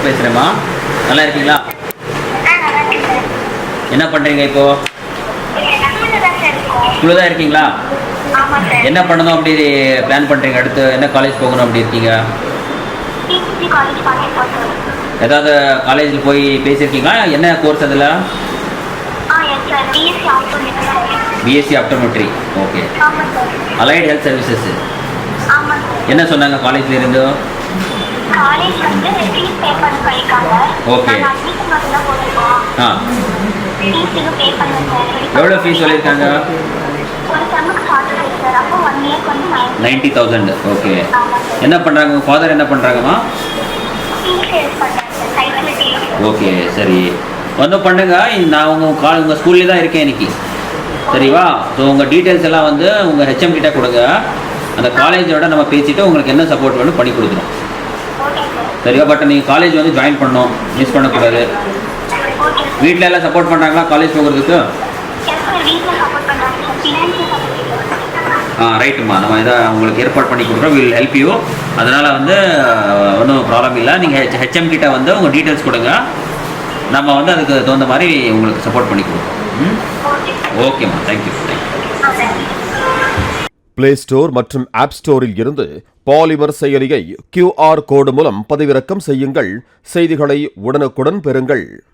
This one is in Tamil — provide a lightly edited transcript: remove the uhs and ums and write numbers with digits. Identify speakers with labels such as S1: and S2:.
S1: பேசுகிறேம்மா. நல்லா இருக்கீங்களா? என்ன பண்ணுறீங்க இப்போது? ஸ்கூலில் தான் இருக்கீங்களா? என்ன பண்ணணும் அப்படி பிளான் பண்ணுறீங்க? அடுத்து என்ன காலேஜ் போகணும் அப்படி இருக்கீங்க? ஏதாவது காலேஜில் போய் பேசியிருக்கீங்களா? என்ன கோர்ஸ் அதில்? BSc optometry. Okay. Allied health services. என்ன சொன்னாங்க காலேஜில் இருந்து? ஓகே. ஆ, எவ்வளோ ஃபீஸ் சொல்லியிருக்காங்க? 90,000. ஓகே. என்ன பண்ணுறாங்க உங்கள் ஃபாதர்? என்ன பண்ணுறாங்கம்மா? ஓகே, சரி. வந்து பண்ணுங்க. நான் உங்கள் ஸ்கூல்லே தான் இருக்கேன் இன்னைக்கு. சரிவா? ஸோ உங்கள் டீட்டெயில்ஸ் எல்லாம் வந்து உங்கள் ஹெச்எம் கிட்ட கொடுங்க. அந்த காலேஜோட நம்ம பேசிவிட்டு உங்களுக்கு என்ன சப்போர்ட் வேணும் பண்ணி கொடுக்குறோம். சரியா? பட் நீங்கள் காலேஜ் வந்து ஜாயின் பண்ணணும், மிஸ் பண்ணக்கூடாது. வீட்டில் எல்லாம் சப்போர்ட் பண்ணுறாங்களா காலேஜ் போகிறதுக்கு? ரைட்டுமா. நம்ம இதை உங்களுக்கு ஏற்பாடு பண்ணி கொடுக்குறோம். Will help you. அதனால் வந்து ஒன்றும் ப்ராப்ளம் இல்லை. நீங்கள் ஹெச்எம் கிட்ட வந்து உங்கள் டீட்டெயில்ஸ் கொடுங்க. நம்ம வந்து அதுக்கு தகுந்த மாதிரி உங்களுக்கு சப்போர்ட் பண்ணி கொடுக்குறோம். ஓகேம்மா, தேங்க்யூ.
S2: பிளே ஸ்டோர் மற்றும் ஆப் ஸ்டோரில் இருந்து பாலிமர் செயலியை QR கோடு மூலம் பதிவிறக்கம் செய்யுங்கள். செய்திகளை உடனுக்குடன் பெறுங்கள்.